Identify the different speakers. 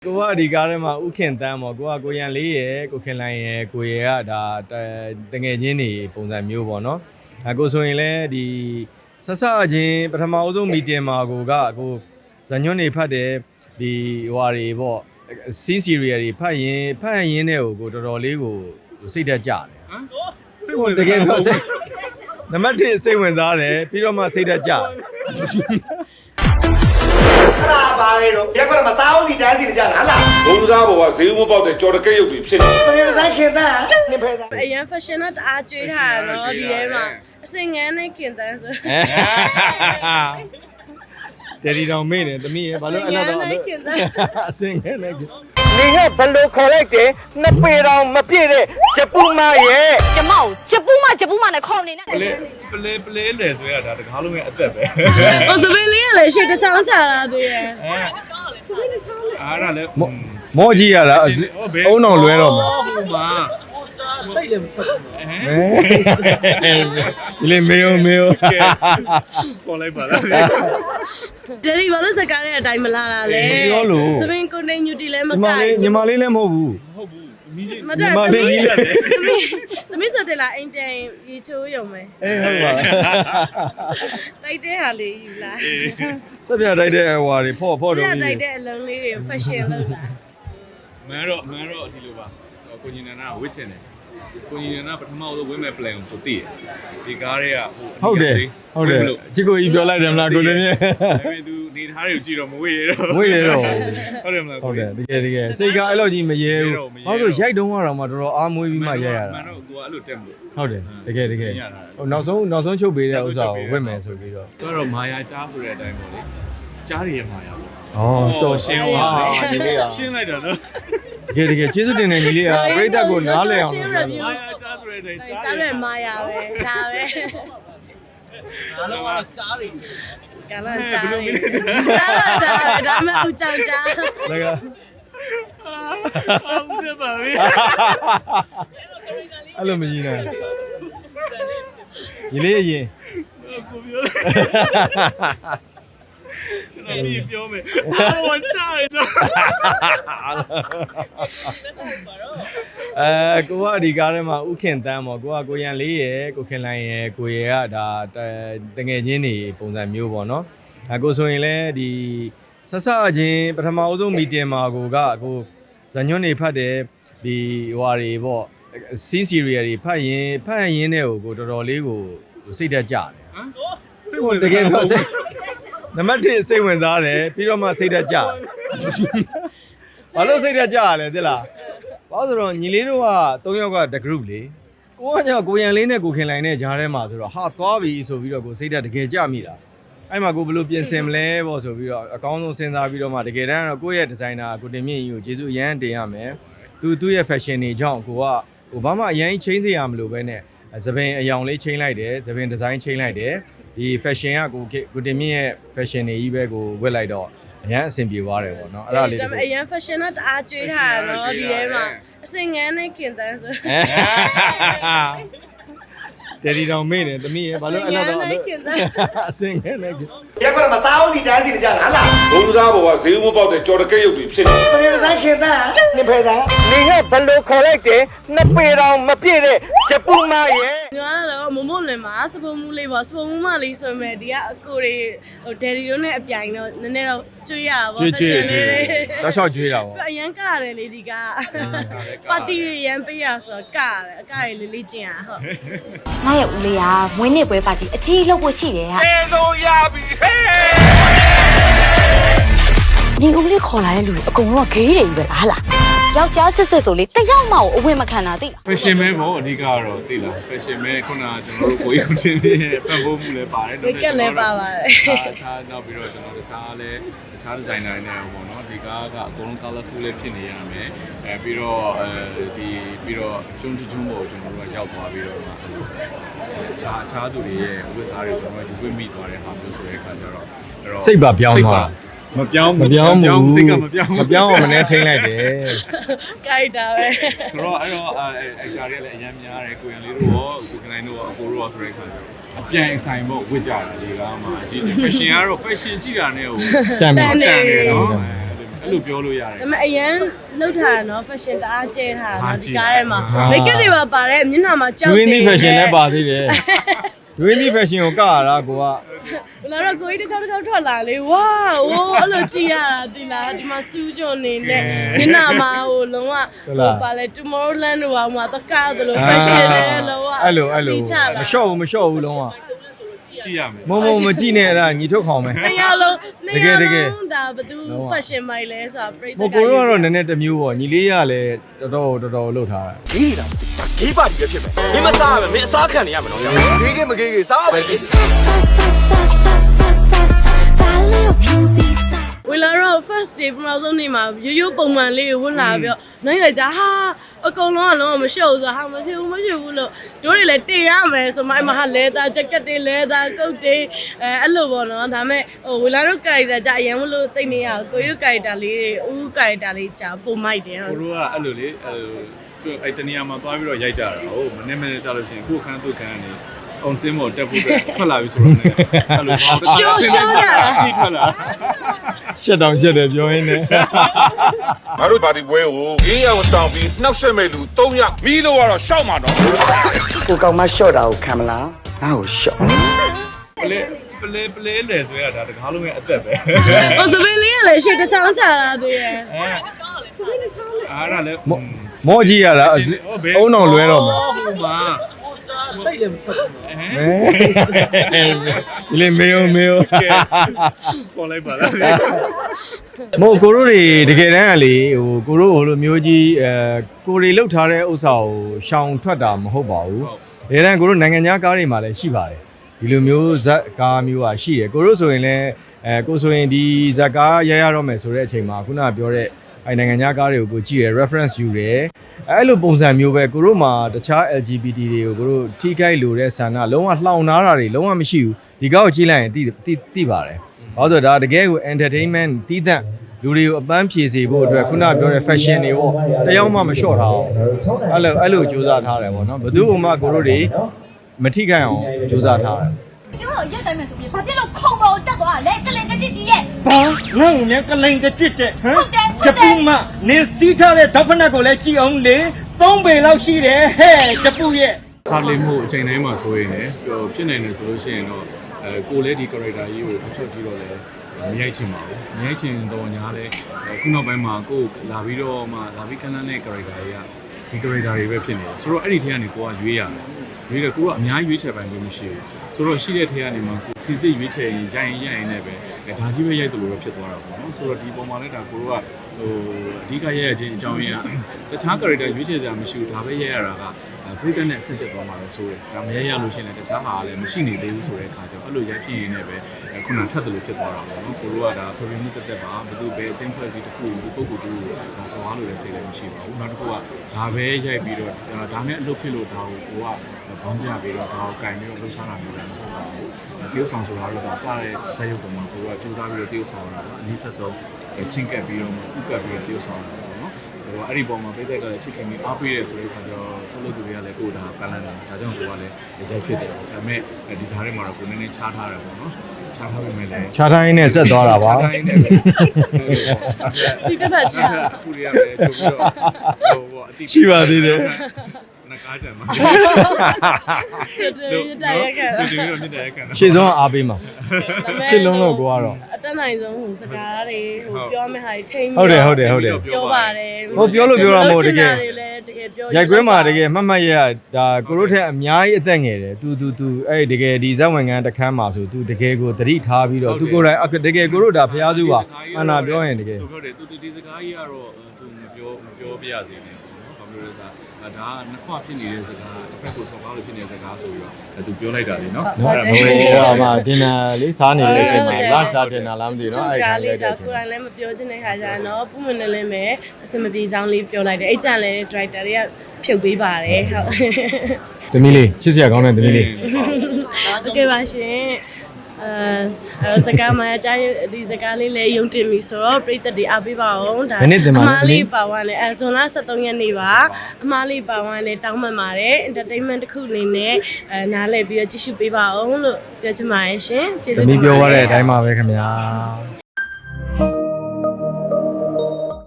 Speaker 1: ကိုကဒီကားထဲမှာဥခင်တန်းပေါ့ကိုရန်လေးရယ်ကိုခင်လိုင်းရယ်ကိုရယ်ကဒါတငယ်ချင်းတွေပုံစံမျိုးပေါ့နော်ကိုဆိုရင်လည်းဒီဆက်စချင်းပထမအဆုံးမီတင်မှာကိုဇညွန်းတွေဖတ်တယ်ဒီဟွာတွေပေါ့စီးစီရီယယ်တွေဖတ်ရင်တဲ့ကိုတော်တော်လေးကိုစိတ်တက်ကြတယ်စိတ်ဝင်တကယ်ပြောစိတ်နံပါတ်1စိတ်ဝင်စားတယ်ပြီးတော့မှစိတ်တက်ကြ
Speaker 2: ခလာပါလေတော့ရက်ကွက်မှာစားအောင်စီတန်းစီနေကြလားလား
Speaker 3: ဘုံသားဘောကဈေးမပေါက်တဲ့ကြော်တကက်ရုပ်တွေဖြစ်
Speaker 2: နေတယ်ဆိုင်ခင်တန်းနင်ဖဲသား
Speaker 4: အရင် fashion နဲ့တအားကျွေးထားတာနော်ဒီထဲမှာအစင်ငန်းနဲ့ခင်တန်းဆို
Speaker 1: တယ်ဒီတော်မေးတယ်သမီးရဘာလို့အဲ့တော့အစင်ငန်းနဲ့
Speaker 2: နေကဘလို့ခေါ်လိုက်တယ်နှစ်ပေတော်မပြည့်တဲ့ဂျပူမရဲ့
Speaker 5: ကျမကိုဂျပူမနဲ့ခေါ်နေနဲ့
Speaker 1: ပလဲလေဆိုရတာတကားလုံးရဲ့အသက်ပဲ
Speaker 4: ဟိုစပင်းလေးကလည်းရှေ့တစ်ချောင်းချလာသေးရဲ့စပင်းတစ်ချောင်းလေ
Speaker 1: အားရလဲမောကြီးရတာအုံအောင်လွဲတော့မှာဟုတ်ပါ
Speaker 2: တိတ်လည်းမချက်ဘူး
Speaker 1: ဒီလေမေယခေါ်လိုက်ပါလား
Speaker 4: ဒယ်ရီဘာလို့စကားတဲ့အတိုင်းမလာတာလဲ
Speaker 1: ပြောလို့
Speaker 4: စပင်းကိုနေညူတီလည်းမကိုက်
Speaker 1: ညီမလေးလည်းမဟုတ်ဘူး
Speaker 4: ညီမလေးကြီးရတယ်သမီးဆိုတယ်လားအိမ်ပြန်ရေချိုးရုံပဲ
Speaker 1: ဟုတ်ပါ
Speaker 4: တိုက်တဲ့ဟာလေးယူလာ
Speaker 1: ဆက်ပြတိုက်တဲ့ဟွာတွေဖော့တော့
Speaker 4: ဆက်ပြတိုက်တဲ့အလုံးလေးတွေ fashion လုပ်လာ
Speaker 6: မန်းတော့ဒီလိုပါကိုညီနန္ဒဝစ်ချင်တယ်ကိုညီနန္ဒပထမဆုံးဝင်းမဲ့ plan ကိုသိတယ်ဒီကားတွေက
Speaker 1: ဟုတ်တယ်ချစ်ကိုကြီးပြောလိုက်တယ်မလားကိုလည်းမြဲ
Speaker 6: သူနေထားတွေကိုကြည့်တော့မဝေ့ရတော့
Speaker 1: ဟုတ်
Speaker 6: တယ်မလား
Speaker 1: ဟုတ်တယ်တကယ်စိတ်ကအဲ့လိုကြီးမရဲဘူးဘာလို့ရိုက်တုံးကတော့မှတော်တော်အားမွေးပြီးမှရိုက်ရတာ
Speaker 6: မန်းတော့ကိုကအဲ့လိုတက်မလို့
Speaker 1: ဟုတ်တယ်တကယ်ဟိုနောက်ဆုံးချုပ်ပေးတဲ့ဥစ္စာကိုဝတ်မယ်ဆိုပြီးတော့
Speaker 6: တော့မာယာကြားဆိုတဲ့အတိုင်းပေါ့လေကြားရရဲ့မာယာပေါ့
Speaker 1: တော်ရှင်းသွား
Speaker 6: ဒီလေးကရှင်းလိုက်တာနော်
Speaker 1: တကယ်ကျေးဇူးတင်တယ်ညီလေးကပရိသတ်ကိုနားလည်အောင်
Speaker 6: မာယာကြားဆိုတဲ့အတိုင်း
Speaker 4: ကြားရမာယာပဲဒါပဲ
Speaker 2: အားလုံးကကြားနေ
Speaker 4: ကလာကြားဒါမှမဟုတ်ကြောင်ကြား
Speaker 1: လက်က
Speaker 6: ဟုတ်တယ်ပါပဲ
Speaker 1: အဲ့လိုမကြီးနိုင်ညီလေးအရင်
Speaker 6: ကိုပြောလိုက်ကျွန်တော်ဒီပြောမယ်အားဝကြားရတော့
Speaker 1: ကိုကဒီကားထဲမှာဥခင်တန်းပေါ့ကိုရန်လေးရယ်ကိုခင်လိုင်းရယ်ကိုရယ်ကဒါတငယ်ချင်းတွေပုံစံမျိုးပေါ့နော်ကိုဆိုရင်လည်းဒီဆက်စချင်းပထမအဆုံးမီတင်မှာကိုဇညွန်းတွေဖတ်တယ်ဒီဟွာတွေပေါ့စီးစီရီယယ်တွေဖတ်ရင်တဲ့ကိုတော်တော်လေးကိုစိတ်တက်ကြတယ်
Speaker 6: စိတ်ဝင်
Speaker 1: တကယ်ပြောစိတ်နံပါတ်1စိတ်ဝင်စားတယ်ပြီးတော့မှစိတ်တက်ကြဘာလို့စိတ်တက်ကြရလဲသိလားဘာလို့ဆိုတော့ညီလေးတို့က3ယောက်ကတ group လေကိုရန်လေးနဲ့ကိုခင်လိုင်းနဲ့ဂျားထဲမှာဆိုတော့ဟာသွားပြီဆိုပြီးတော့ကိုစိတ်တက်တကယ်ကြမိတာအဲ့မှာကိုဘယ်လိုပြင်ဆင်မလဲပေါ့ဆိုပြီးတော့အကောင်းဆုံးစဉ်းစားပြီးတော့မှတကယ်တမ်းတော့ကိုယ့်ရဲ့ဒီဇိုင်နာကိုတင်မြင့်ကြီးကိုကျေးဇူးအရန်တင်ရမယ်သူ့ရဲ့ fashion တွေကြောင့်ကိုကဘာမှအရင်ချင်းစေရမလို့ပဲနဲ့သပင်အယောင်လေးချင်းလိုက်တယ်သပင်ဒီဇိုင်းချင်းလိုက်တယ်ဒီ fashion ကကိုတင်မြင့်ရဲ့ fashion တွေကြီးပဲကိုဝတ်လိုက်တော့အရန်အဆင်ပြေသွားတယ်ပေါ့နော်အဲ့ဒါလေး
Speaker 4: အရင် fashion နဲ့တအားကျွေးထားတာနော်ဒီထဲမှာအစင်ငန်းနဲ့ခင်တန်းဆို
Speaker 1: တယ်ဒီတော်မေးတယ်သမီးရဘာလို့အဲ့တော့အစင်ငန်းနဲ့
Speaker 2: ရက်ကွက်မှာစားအောင်စီတန်းစီနေကြလားလား
Speaker 3: ဘုံသားဘောကဈေးမပေါက်တဲ့ကြော်တကက်ရုပ်တွေဖြစ်
Speaker 2: နေတယ်ဆိုင်ခင်တန်းနင်ဖဲသားနေကဘလို့ခေါ်လိုက်တယ်နှစ်ပေတော်မပြည့်တဲ့ဂျပူမရဲ့
Speaker 4: ညီမကတော့မမလွင်မှာစပုံမူလေးပေါ့စပုံမူမလေးဆိုမဲ့ဒီကအကိုတွေဟိုဒယ်ရီတို့နဲ့အပြိုင်တော့နည်းနည်းတော့ကျွေးရတာပေါ့
Speaker 1: ကျွေးတောက်လျှောက်ကျွေးတာပေါ့
Speaker 4: အရန်ကရတယ်လေဒီကပါတီတွေရန်ပေးရဆိုတော့ကရတယ်အကရလေးလေးကျင်ရဟုတ်
Speaker 5: ငါရဲ့ဦးလေးကမွေးနေ့ပွဲပါတီအကြီးလုပ်ဖို့ရှိတယ်ဟာ
Speaker 3: အဲလို့ရပြီဟဲ့
Speaker 5: ဒီဦးလေးခေါ်လာတဲ့လူတွေအကုန်လုံးကဂေးတွေကြီးပဲလားဟာလားယောက်ျားစစ်ဆိုလေတယောက်မှအဝတ်မခံတာသိလား
Speaker 6: fashion ပဲပေါ့အဓိကတော့သိလား fashion ပဲခုနကကျွန်တော်တို့ကိုကြီးကိုချင်းပြည့်ပံ့ပိုးမှုလည်းပါတယ်
Speaker 4: နော်ကက်လည်းပါပါတယ်
Speaker 6: အခြားနောက်ပြီးတော့ကျွန်တော်တခြားဒီဇိုင်နာတွေနဲ့ပေါ့နော်ဒီကားကအကုန်လုံး colorful လေးဖြစ်နေရမယ်ပြီးတော့ပြီးတော့ကျွန်းပေါ့ကျွန်တော်တို့ကရောက်သွားပြီးတော့အခြားသူတွေရဲ့ဝတ်စားတွေကျွန်တော်တို့ဝတ်မိသွားတဲ့ဟာမျိုးဆိုတဲ့အခါကျတော့
Speaker 1: စိတ်ပါပြောင်းသွား
Speaker 6: မပြောင်း
Speaker 1: စိတ်ကမပြောင်းအောင်မနဲ့ထိန်းလိုက်တယ်
Speaker 4: ကိုက်တာပဲ
Speaker 6: ဆိုတော့အဲ့ကားတွေလည်းအများများတယ်ကိုရန်လေးတို့ရောကိုကနိုင်တို့ရောအကိုတို့ရောဆိုတဲ့အခါကျတော့အပြိုင်ဆိုင်ပေါ့ဝတ်ကြတာဒီကားမှာအကြည့် fashion ကတော့ fashion ကြည့်တာနဲ့ဟို
Speaker 1: တန်တယ်
Speaker 6: နော် အဲ့လိုပြောလို့ရတယ်
Speaker 4: ဒါပေမဲ့အရန်လောက်ထားတာနော် fashion တအားကျဲထားတာနော်ဒီကားထဲမှာ make up တွေပါပါတယ်မျက်နှာမှာကြောက်
Speaker 1: ဒွေးနီး fashion လည်းပါသေးတယ်ဒွေးနီး fashion ကိုကရတာကိုက
Speaker 4: ဘလာတော့ကိုကြီးတစ်ခေါက်ထွက်လာလေဝါဟိုအဲ့လိုကြည့်ရတာဒီလားဒီမှာစူးကြုံနေနဲ့မျက်နှာမှာဟိုလုံးဝဟိုပါလေ Tomorrowland တို့ဟာမှာတကားသလို fashion တွေလုံးဝ
Speaker 1: အဲ့လိုမလျှော့ဘူးလုံးဝ
Speaker 6: ကြည့်ရမယ်
Speaker 1: မကြည့်နဲ့အဲ့ဒါညီထုတ်ခေါင်မယ်
Speaker 4: နေရာလုံးဒါဘသူ fashion မိုက်လဲဆိုတာပြိတ္တ
Speaker 1: ဟိုကိုတို့ကတော့နည်းနည်းတစ်မျိုးပေါ့ညီလေးရလည်းတော်တော်လှုပ်ထားတာ
Speaker 2: ဒီလားဒါဂေးပါတီပဲဖြစ်မယ်မင်းမစားရမယ်မင်းအစားခံနေရမယ်နော်ဂေးကမဂေးစားပဲ
Speaker 4: ဝလာတော့ first day ပထမဆုံးနေ့မှာရိုးပုံမှန်လေးကိုဝင်လာပြီးတော့နိုင်လိုက်ကြဟာအကုန်လုံးကလုံးဝမရှုပ်ဆိုဟာမဖြစ်ဘူးလို့တို့တွေလည်းတင်ရမယ်ဆိုမှအမဟာလဲသား jacket တွေလဲသားကုတ်တွေအဲ့လိုပေါ့နော်ဒါပေမဲ့ဟိုဝလာတို့ character ကြအရင်မလို့သိနေရကိုတို့ character လေးတွေဦး character လေးကြပုံမိုက်တယ်
Speaker 6: ကိုတို့ကအဲ့လိုလေအဲ့တနေရာမှာသွားပြီးတော့ရိုက်ကြတာဟုတ်မနေ့မနေ့ကြာလို့ရှိရင်ကိုခန်းသူ့ခန်းကနေအောင်စင်းမော်တက်ဖို့ထွက်လာပြီဆိုတော့လည်းအဲ့လိုရှော့ထွက်လာ
Speaker 1: ရှက်တောင်ရှက်တယ်ပြောရင်းနဲ့
Speaker 3: ငါတို့ပါတီပွဲကို4ရောက်ဆောင်ပြီးနှောက်ဆက်မဲ့လူ3ရောက်မီးလို့ကတော့ရှောက်မှာတော့
Speaker 2: ကိုကောင်မရှော့တာကိုခံမလားငါ့ကိုရှော့
Speaker 6: ပလဲလေဆိုရတာတကားလုံးရဲ့အသက်ပဲ
Speaker 4: ဟိုစပင်းလေးကလည်းရှေ့တစ်ချောင်းချလာသေးရဲ့
Speaker 6: အားရလဲ
Speaker 1: မောကြီးရတာအုံအောင်လွဲတော့မှာ
Speaker 6: ဟုတ်ပါတိတ်လည်းမချက်ဘူး
Speaker 1: လေမေယို
Speaker 6: ပေါ်လိုက်ပါလား
Speaker 1: မို့ကိုတို့တွေတကယ်တမ်းကလေဟိုကိုတို့ဟိုလိုမျိုးကြီးကိုတွေလှုပ်ထားတဲ့ဥစ္စာကိုရှောင်ထွက်တာမဟုတ်ပါဘူးတကယ်တမ်းကိုတို့နိုင်ငံခြားကားတွေမှာလည်းရှိပါတယ်ဒီလိုမျိုးဇက်ကားမျိုးอ่ะရှိတယ်ကိုတို့ဆိုရင်လည်းကိုဆိုရင်ဒီဇက်ကားရရတော့မယ်ဆိုတဲ့အချိန်မှာခုနကပြောတဲ့အဲနိုင်ငံခြားကားတွေကိုကိုကြည့်ရ reference ယူတယ်အဲ့လိုပုံစံမျိုးပဲကိုတို့မှာတခြား LGBT တွေကိုကိုတို့ထိခိုက်လို့တဲ့ဆန္ဒလုံးဝလှောင်နာတာတွေလုံးဝမရှိဘူးဒီကောက်ကိုကြည့်လိုက်ရင်သိပါတယ်ဘာလို့ဆိုတော့ဒါတကယ်ကို entertainment တီးသန့်လူတွေကိုအပန်းဖြေစေဖို့အတွက်ခုနပြောတဲ့ fashion တွေပေါ့တယောက်မှမလျှော့ထားအောင်အဲ့လိုစူးစမ်းထားတယ်ပေါ့နော်ဘယ်သူမှကိုတို့တွေမထိခိုက်အောင်စူးစမ်းထားတယ်
Speaker 5: ပြောတော့ရက်တိုင်းမဲ့ဆိုပြီးဘာဖြစ်လို့ခုံပေါ်တက်သွားလဲကလင်ကကြည့်ကြီးရဲ့
Speaker 2: ဘာငါ့ကိုမြန်ကလိန်ကကြစ်တဲ့ဟမ်ဂျပူမနင်းစီးထားတဲ့ဒေါက်ဖနက်ကိုလည်းကြည့်အောင်လေ3ပေလောက်ရှိတယ်ဟဲ့ဂျပူရဲ့
Speaker 6: ခါလေးမှုအချိန်တိုင်းမှာဆိုရင်လည်းဖြစ်နိုင်တယ်ဆိုလို့ရှိရင်တော့ကိုလည်းဒီ character ကြီးကိုအထွက်ပြီးတော့လည်းမရိုက်ချင်ပါဘူးမရိုက်ချင်တော့ညာလဲခုနောက်ပိုင်းမှာကိုလာပြီးတော့မှလာပြီးခန်းလန်းတဲ့ character ကြီးကဒီ character တွေပဲဖြစ်နေတယ်ဆိုတော့အဲ့ဒီထဲကနေကိုကရွေးရတယ်ရွေးတယ်ကိုကအများကြီးရွေးချယ်ပိုင်လို့မရှိဘူးဆိုတော့ရှိတဲ့ထဲကနေမှစီစစ်ရွေးချယ်ရင်ရိုက်နဲ့ပဲဒါကြီးပဲရိုက်တယ်လို့ဖြစ်သွားတာပေါ့နော်ဆိုတော့ဒီပုံမှာလည်းဒါကိုကဟိုအဓိကရိုက်ရခြင်းအကြောင်းရင်းကတခြား character ရွေးချယ်စရာမရှိဘူးဒါပဲရိုက်ရတာကဖိတ်တဲ့နဲ့ဆက်တက်သွားမှာလဲဆိုရယ်ဒါမရရလို့ရှိရင်လည်းတခြားဟာလည်းမရှိနေသေးဘူးဆိုတဲ့အခါကျတော့အဲ့လိုရိုက်ဖြစ်ရင်းနဲ့ပဲခုနထပ်တယ်လို့ဖြစ်သွားတာပေါ့နော်ကိုတို့ကဒါ premium တက်တက်ပါဘယ်သူပဲအသိဖွဲ့ပြီးတစ်ခုဒီပုဂ္ဂိုလ်တူကိုဆော်ကားလို့လည်းစိတ်လည်းမရှိပါဘူးနောက်တစ်ခုကဒါပဲရိုက်ပြီးတော့ဒါနဲ့အလုပ်ဖြစ်လို့ဒါကိုကိုကဘောင်းပြပြီးတော့ဒါကိုကင်ပြီးတော့လှုပ်ရှားတာမျိုးလည်းမဟုတ်ပါဘူးတရုပ်ဆောင်ဆိုတာတော့ကြားတဲ့ဇာတ်ရုပ်ပေါ်မှာကိုကကြိုးစားပြီးတော့တရုပ်ဆောင်တာပေါ့အနည်းဆက်ဆုံးချင်းကပ်ပြီးတော့ဥကပ်ပြီးတော့တရုပ်ဆောင်တာပေါ့နော်အဲ့ဒီပုံမှာပိတ်သက်ကလည်းချစ်ခင်ပြီးအားပေးရဲဆိုတဲ့အခါကျတော့ထုတ်လို့သူတွေကလည်းကိုယ်ဒါကလန်တာဒါကြောင့်ကိုကလည်းရိုက်ဖြစ်တယ်ပေါ့ဒါပေမဲ့ဒီဈားထဲမှာတော့ကိုနည်းနည်းချားထားတယ်ပေါ့နော်ချားထားပေမဲ့လည်း
Speaker 1: ခြားတိုင်းနဲ့ဆက်သွားတာပါ
Speaker 4: စီတစ်ဖက်ချာ
Speaker 6: ခုတွေကလည်းကြိုပြီးတော့ဟိုအတိ
Speaker 1: ရှိပါသေးတယ်
Speaker 6: နကားကြံမှာ
Speaker 4: ကျွတ်တယ်ရတဲ့ရက်ခဲ့
Speaker 6: ကျွတ်ပြီးတော့မြစ်တဲ့ကန်
Speaker 1: ရှေ့ဆုံးအားပေးမှာရှေ့လုံးတော့ကိုကတော့
Speaker 4: အတက်နိုင်ဆုံးဟိုစကားတွေဟိုပြောမယ့်ဟာတွေထိန်း
Speaker 1: ဟုတ်တယ်
Speaker 4: ပြောပါတယ်
Speaker 1: ဟိုပြောလို့ပြောတာမဟုတ်တကယ်
Speaker 4: တကယ်ပြော
Speaker 1: ရိုက်ကွင်းမှာတကယ်မှတ်မှတ်ရဒါကိုတို့ထက်အများကြီးအသက်ငယ်တယ်သူအဲ့တကယ်ဒီဇက်ဝင်ကန်းတစ်ခန်းမှာဆိုသူတကယ်ကိုသတိထားပြီးတော့သူကိုယ်တိုင်တကယ်ကိုတို့ဒါဖျားစုပါအနာပြောရင်တကယ်
Speaker 6: သူပြောတယ်သူဒီစကားကြီးကတော့သူမပြောပြရစေနဲ့ပေါ့နော်ဘာလို့လဲဆိုတော့ဒါကနှစ်ခွဖြစ်နေတဲ့စကားတစ်ဖက်ကိုဆော်ကားလို့ဖြစ်နေတဲ့စကားဆိုပြီးတော့သူပြောလိုက်တာလေနော်
Speaker 1: ဟိုမှာဒင်နာလေးစားနေတဲ့အချိန်မှာ lunch စားဒင်နာလားမသိဘူးเนาะ
Speaker 4: အဲ့
Speaker 1: အဲ့
Speaker 4: ဒါ
Speaker 1: ဒါ
Speaker 4: လေး
Speaker 1: လေး
Speaker 4: ကြောင့်ကိုယ်တိုင်လည်းမပြောချင်တဲ့ခါကျတော့ပူမနေလည်းမယ်အစမပြေချောင်းလေးပြောလိုက်တယ်အဲ့ကြလည်း director တွေကဖြုတ်ပေးပါတယ်ဟုတ်
Speaker 1: သမီးလေးချစ်စရာကောင်းတဲ့သမီးလေး
Speaker 4: တကယ်ပါရှင်စကားမှအကြိုက်ဒီစကားလေးလည်းယုံတင်ပြီဆိုတော့ပြည်သက်တွေအားပေးပါအောင်ဒါအမားလေးပါဝါနဲ့ဇွန်လ23ရက်နေ့ပါအမားလေးပါဝါနဲ့တောင်းပန်ပါတယ် entertainment တစ်ခုအနေနဲ့နားလည်ပြီးတော့ကြည့်ရှုပေးပါအောင်လို့ပြောချင်ပါတယ်ရှင်ကျေးဇူး
Speaker 1: သမီးပြောရတဲ့အတိုင်းပါပဲခင်ဗျာ